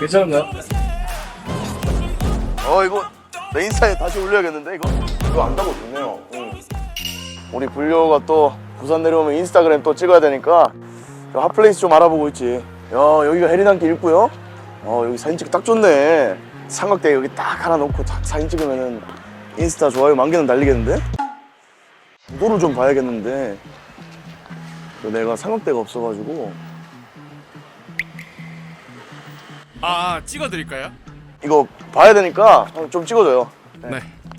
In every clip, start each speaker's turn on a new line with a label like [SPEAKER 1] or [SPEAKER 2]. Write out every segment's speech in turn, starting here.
[SPEAKER 1] 괜찮은가요? 이거 내 인스타에 다시 올려야겠는데 이거 안다고 좋네요. 우리 불려가 또 부산 내려오면 인스타그램 또 찍어야 되니까 핫플레이스 좀 알아보고 있지. 야, 여기가 해리단길 있고요. 여기 사진 찍기 딱 좋네. 삼각대 여기 딱 하나 놓고 딱 사진 찍으면은 인스타 좋아요 10,000개는 달리겠는데? 구도를 좀 봐야겠는데 내가 삼각대가 없어가지고.
[SPEAKER 2] 찍어드릴까요?
[SPEAKER 1] 이거 봐야 되니까 좀 찍어줘요.
[SPEAKER 2] 네.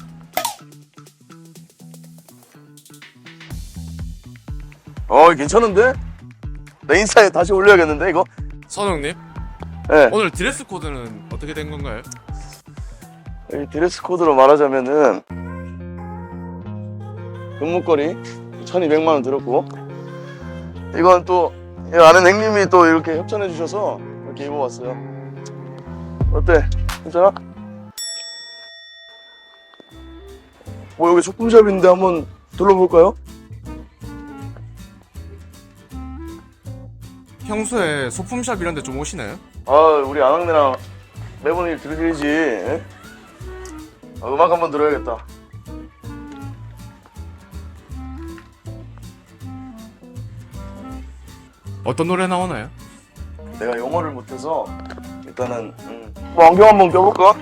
[SPEAKER 1] 괜찮은데? 내 인스타에 다시 올려야겠는데 이거?
[SPEAKER 2] 선웅님,
[SPEAKER 1] 네.
[SPEAKER 2] 오늘 드레스 코드는 어떻게 된 건가요?
[SPEAKER 1] 이 드레스 코드로 말하자면은 금목걸이 1,200만 원 들었고, 이건 또 아는 형님이 또 이렇게 협찬해 주셔서 이렇게 입어봤어요. 어때? 괜찮아? 뭐 여기 소품샵인데 한번 둘러볼까요?
[SPEAKER 2] 평소에 소품샵 이런 데 좀 오시나요?
[SPEAKER 1] 우리 아낙네랑 매번 일 들으시지. 예? 음악 한번 들어야겠다.
[SPEAKER 2] 어떤 노래 나오나요?
[SPEAKER 1] 내가 영어를 못해서 일단은 뭐 안경 한번 껴볼까?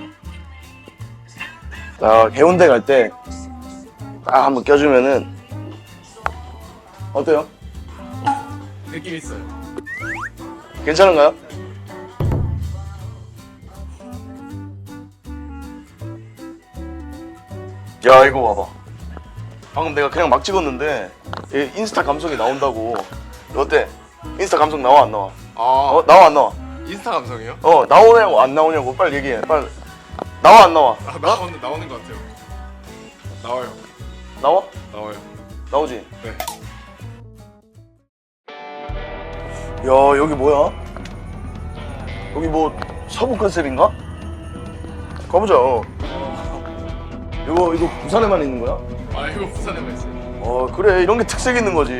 [SPEAKER 1] 자, 해운대 갈 때 딱 한번 껴주면은 어때요?
[SPEAKER 2] 느낌 있어요.
[SPEAKER 1] 괜찮은가요? 야, 이거 봐봐. 방금 내가 그냥 막 찍었는데 인스타 감성이 나온다고. 어때? 인스타 감성 나와 안 나와? 나와 안 나와?
[SPEAKER 2] 인스타 감성이요?
[SPEAKER 1] 나오냐고 안 나오냐고 빨리 얘기해. 빨리. 나와 안 나와?
[SPEAKER 2] 나오는 것 같아요. 나와요.
[SPEAKER 1] 나와?
[SPEAKER 2] 나와요.
[SPEAKER 1] 나오지?
[SPEAKER 2] 네.
[SPEAKER 1] 야, 여기 뭐야? 여기 뭐 서부 컨셉인가? 가보자. 이거 부산에만 있는 거야?
[SPEAKER 2] 이거 부산에만 있어요.
[SPEAKER 1] 그래, 이런 게 특색 있는 거지.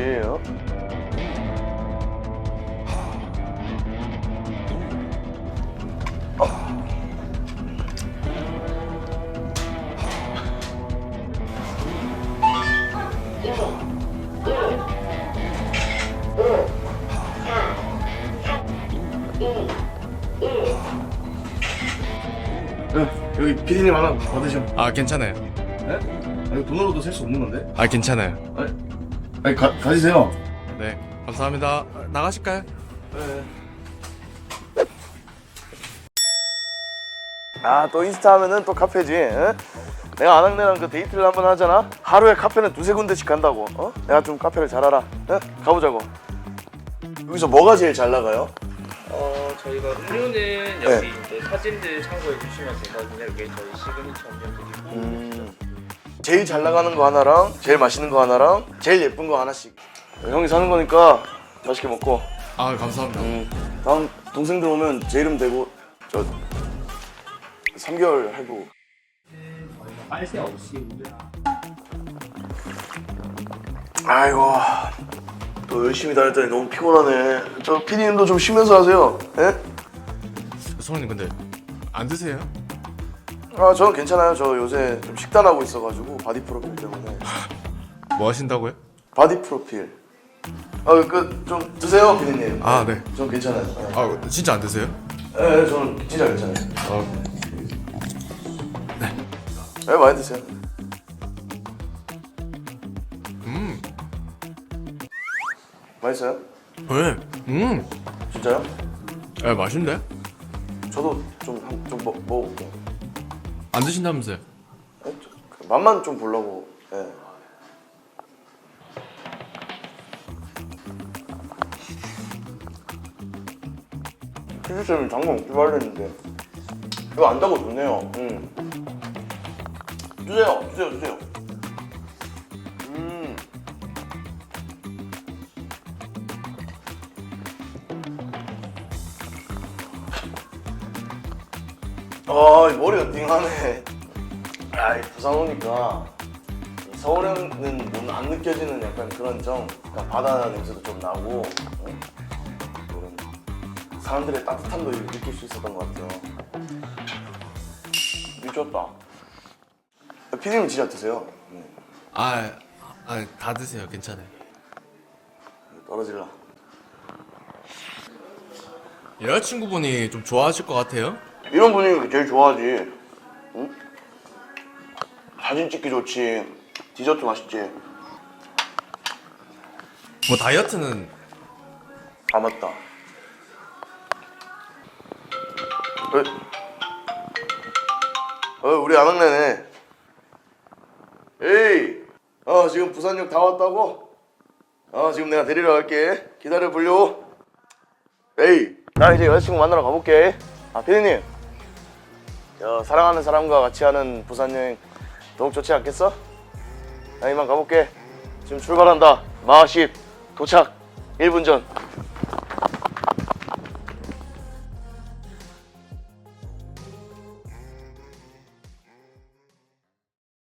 [SPEAKER 1] 여기 피디님 하나 받으셔.
[SPEAKER 2] 괜찮아요.
[SPEAKER 1] 네? 이거 돈으로도 살 수 없는 건데?
[SPEAKER 2] 괜찮아요.
[SPEAKER 1] 아니, 가지세요.
[SPEAKER 2] 네, 감사합니다. 나가실까요?
[SPEAKER 1] 네. 또 인스타 하면은 또 카페지. 내가 아낙네랑 그 데이트를 한번 하잖아. 하루에 카페는 2-3군데씩 간다고. 내가 좀 카페를 잘 알아. 가보자고. 여기서 뭐가 제일 잘 나가요?
[SPEAKER 3] 저희가 음료는 여기 이제 사진들 참고해 주시면 되거든요. 이게 저희 시그니처 음료들이고.
[SPEAKER 1] 제일 잘 나가는 거 하나랑 제일 맛있는 거 하나랑 제일 예쁜 거 하나씩. 형이 사는 거니까 맛있게 먹고.
[SPEAKER 2] 감사합니다.
[SPEAKER 1] 다음 동생들 오면 제 이름 대고 3개월 해고.
[SPEAKER 3] 빨세 없이.
[SPEAKER 1] 아이고, 또 열심히 다녔더니 너무 피곤하네. 저 피디님도 좀 쉬면서 하세요. 예?
[SPEAKER 2] 선웅님 근데 안 드세요?
[SPEAKER 1] 저는 괜찮아요. 저 요새 좀 식단하고 있어가지고 바디 프로필 때문에.
[SPEAKER 2] 뭐 하신다고요?
[SPEAKER 1] 바디 프로필. 좀 드세요, 피디님.
[SPEAKER 2] 네.
[SPEAKER 1] 전 괜찮아요.
[SPEAKER 2] 진짜 안 드세요?
[SPEAKER 1] 네, 저는 진짜 괜찮아요. 네, 많이 드세요. 맛있어요?
[SPEAKER 2] 네.
[SPEAKER 1] 진짜요?
[SPEAKER 2] 맛있는데?
[SPEAKER 1] 저도 좀 먹어볼게요.
[SPEAKER 2] 안 드신다면서요?
[SPEAKER 1] 맛만 좀 보려고. 예. 피디쌤이 장난 없기로 하려는데 이거 안다고 좋네요. 주세요. 이 머리가 띵하네. 부산 오니까 서울에는 안 느껴지는 약간 그런 그러니까 바다 냄새도 좀 나고, 이런 사람들의 따뜻함도 느낄 수 있었던 것 같아요. 미쳤다. 피디님 진짜 드세요.
[SPEAKER 2] 다 드세요. 괜찮아요.
[SPEAKER 1] 떨어질라.
[SPEAKER 2] 여자친구분이 좀 좋아하실 것 같아요.
[SPEAKER 1] 이런 분위기 제일 좋아하지. 응? 사진 찍기 좋지. 디저트 맛있지.
[SPEAKER 2] 뭐 다이어트는
[SPEAKER 1] 아 맞다. 우리 아낙네네. 에이, 지금 부산역 다 왔다고? 지금 내가 데리러 갈게. 기다려 불려. 에이, 나 이제 여자친구 만나러 가볼게. 피디님, 사랑하는 사람과 같이 하는 부산 여행 더욱 좋지 않겠어? 나 이만 가볼게. 지금 출발한다. 마하십 도착 1분 전.